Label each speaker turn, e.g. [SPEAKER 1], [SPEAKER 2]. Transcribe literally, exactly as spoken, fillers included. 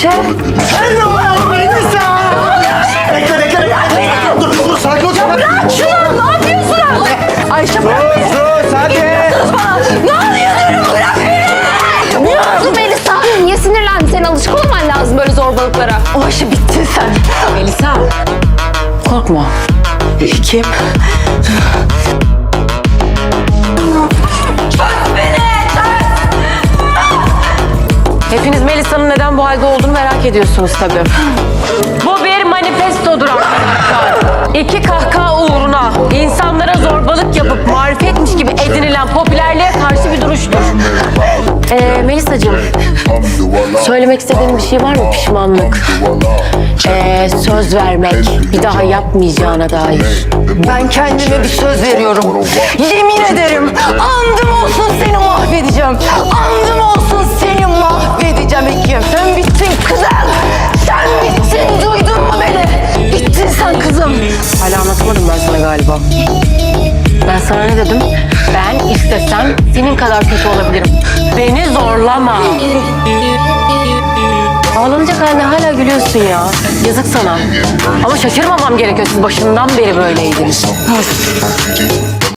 [SPEAKER 1] Ayşe.
[SPEAKER 2] Hello Melisa. Bekle bekle bekle. Dur dur sakin ol.
[SPEAKER 1] Bırak şunu, ne yapıyorsunuz? Ayşe bırak beni.
[SPEAKER 2] Sus hadi.
[SPEAKER 1] Bana. Ne oluyor diyorum, bırak beni. Ne oldu Melisa? Niye sinirlendin? Senin alışık olman lazım böyle zorbalıklara. O Ayşe bittin sen.
[SPEAKER 3] Melisa, korkma. Kim? Hepiniz Melisa'nın neden bu halde olduğunu merak ediyorsunuz tabii. Bu bir manifestodur arkadaşlar. İki kahkaha uğruna insanlara zorbalık yapıp marifetmiş gibi edinilen popülerliğe karşı bir duruştur. Ee, Melisa'cığım, söylemek istediğin bir şey var mı? Pişmanlık, ee, söz vermek, bir daha yapmayacağına dair.
[SPEAKER 1] Ben kendime bir söz veriyorum. Yemin ederim andım olsun seni mahvedeceğim. Andım olsun seni mahvedeceğim Ekim. Sen bittin kızım. Sen bittin, duydun mu beni? Bittin sen kızım.
[SPEAKER 3] Hala anlatamadım ben sana galiba. Ben sana ne dedim? Ben istesem senin kadar kötü olabilirim. Beni zorlama. Ağlanacak haline hala gülüyorsun ya. Yazık sana. Ama şaşırmamam gerekiyor. Siz başından beri böyleydiniz.